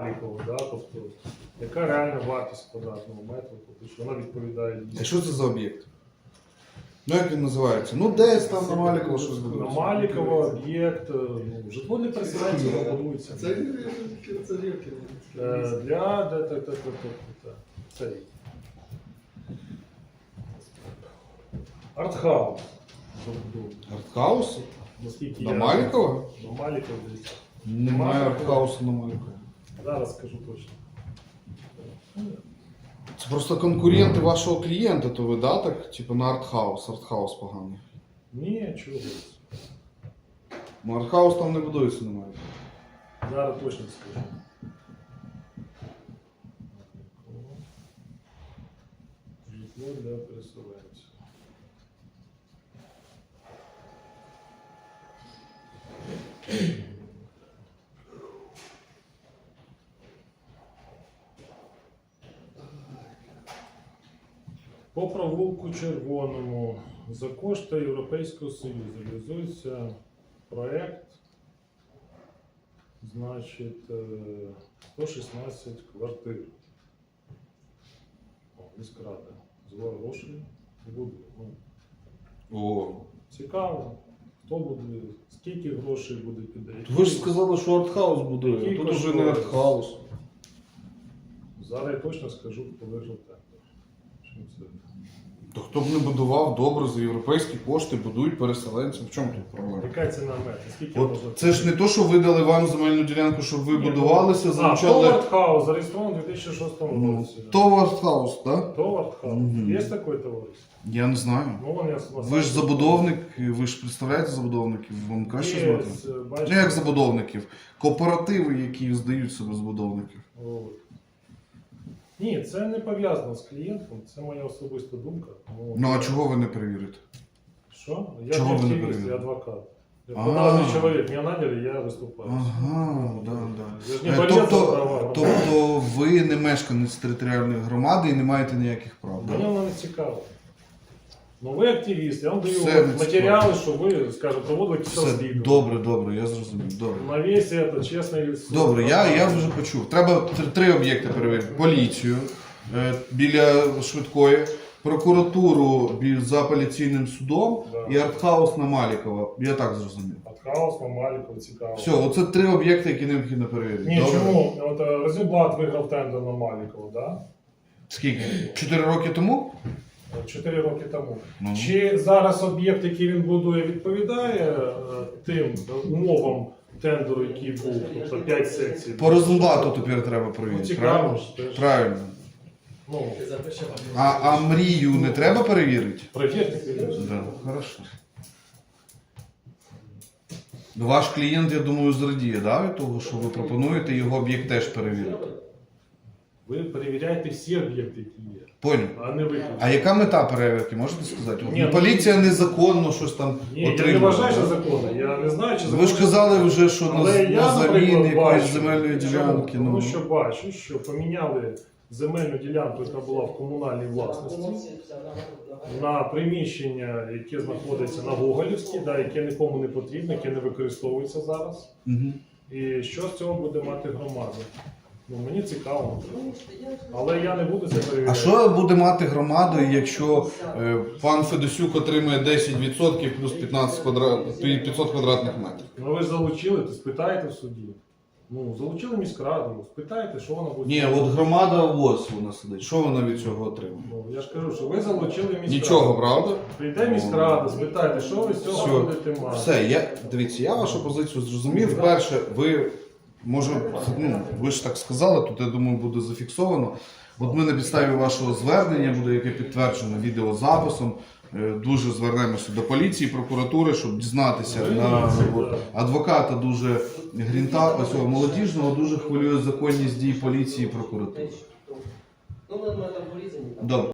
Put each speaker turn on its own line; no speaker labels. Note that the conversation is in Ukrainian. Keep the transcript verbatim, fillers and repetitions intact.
облікову, да? Тобто, яка реальна вартість квадратного метру, тобто, що вона відповідає
А
дійсно.
що це за об'єкт? Ну як він називається? Ну десь там на Маліково щось
На
будується.
Маліково об'єкт, ну, житло для переселенців будується.
Це це рівки.
Е, Для де, де, де, де, де, де. Цей. Артхаус. забудову.
Артхаус?
Наскільки
На
я-
Маліково?
На Маліково десь.
Немає артхаусу на Маліково.
Зараз скажу точно.
Це просто конкуренти вашого клієнта, то ви, да, так? Типу на артхаус. Артхаус поганий.
Ні, чого.
Ну артхаус там не будується на Маліково.
Зараз точно скажу. Житло для переселенців. По провулку Червоному за кошти Європейського Союзу реалізується проект, значить, е, сто шістнадцять квартир. О, міськрада. Звар грошей буде. Ну,
О.
цікаво, хто буде, скільки грошей буде піде.
Ви ж сказали, що артхаус будує,
Який
а тут уже не
коштує?
артхаус.
Зараз я точно скажу, хто виграв тендер. Чим це?
То хто б не будував добре за європейські кошти, будують переселенцям. В чому тут проблема?
Яка ціна метра? Скільки
От
можна?
це ж не то, що видали вам земельну ділянку, щоб ви
Ні,
будувалися,
А,
залучали.
Товард Хаус зареєстрований у дві тисячі шостому
Ну,
році.
то артхаус, так?
Товард Хаус.
Мгм.
Є таке товариство?
Я не знаю.
Ну, вон я вас-
Ви ж забудовник, ви ж представляєте забудовників, вам краще
Є,
знати.
з-
Ну
бачите,
як забудовників? Кооперативи, які здають себе забудовників.
от. Ні, це не пов'язано з клієнтом, це моя особиста думка. Тому-
Ну а чого ви не перевірите?
Що? Я
Чого
не
ви не
активіст,
перевірили?
я адвокат. Я
А.
податний чоловік, мене наняли, я виступаю.
Ага, да,
Я
да.
ж не
Е,
борец за
Тобто,
права громадян.
тобто ви не мешканець територіальної громади і не маєте ніяких прав.
Мені
Да?
воно не цікаво. Ну ви активіст, я вам даю
Все
от
не
матеріали, що ви, скажімо, проводили якісь
Все
розслідування.
добре, добре, я зрозумів. Добре.
На весь это, чесний суд.
Добре, я, я вже почув. Треба тр- три об'єкти перевірити: поліцію е, біля швидкої, прокуратуру бі- за апеляційним судом
Да.
і артхаус на Малікова. Я так зрозумів.
Хаос, Мамаліков, цікаво.
Все, оце три об'єкти, які необхідно перевірити.
Ні,
Добре?
чому? От е, Розенблат виграв тендер на Малікова, да?
Скільки? Чотири роки тому?
Чотири роки тому.
Ну.
Чи зараз об'єкт, який він будує, відповідає е, тим умовам тендеру, який був, тобто п'ять секцій?
По Розенблату тепер треба
Ну,
перевірити.
цікаво
Правильно?
ж теж.
Правильно.
Ну,
А, а мрію не треба перевірити?
перевірте, звісно.
Да, хорошо. Ваш клієнт, я думаю, зрадіє, да, від того, що ви пропонуєте його об'єкт теж перевірити.
Ви перевіряєте всі об'єкти, які є,
Поняв.
а не виключно.
А яка мета перевірки, можете сказати? От,
Ні,
ну,
ну,
поліція незаконно щось там
Ні, я не
отримує.
вважаю, що
да?
законно. Я не знаю, чи
Ви ж казали вже, що на,
Але я,
на заміни
наприклад,
якоїсь
бачу,
земельної
чому?
ділянки.
Тому
Ну,
що бачу, що поміняли земельну ділянку, яка була в комунальній власності, на приміщення, яке знаходиться на Гоголівській, да, яке нікому не потрібно, яке не використовується зараз.
угу.
І що з цього буде мати громада? Ну, мені цікаво. Але я не буду це перевіряти.
А що буде мати громада, якщо е, пан Федосюк отримує десять відсотків плюс п'ятнадцять квадрат, п'ятсот квадратних метрів?
Ну ви ж залучили, то спитаєте в суді. Ну, залучили міськраду, спитаєте, що вона буде.
Ні, от громада ось вона сидить. Що вона від цього отримує?
Ну, я ж кажу, що ви залучили міськраду.
Нічого, правда?
Прийде міськрада, спитайте, що ви з цього
Все.
будете мати.
Все, я дивіться, я вашу позицію зрозумів. Перше, ви може, ну ви ж так сказали, тут я думаю буде зафіксовано. От ми на підставі вашого звернення, буде яке підтверджено відеозаписом. е, Дуже звернемося до поліції, прокуратури, щоб дізнатися на от, адвоката дуже грінта цього молодіжного, дуже хвилює законність дій поліції і прокуратури. Добре.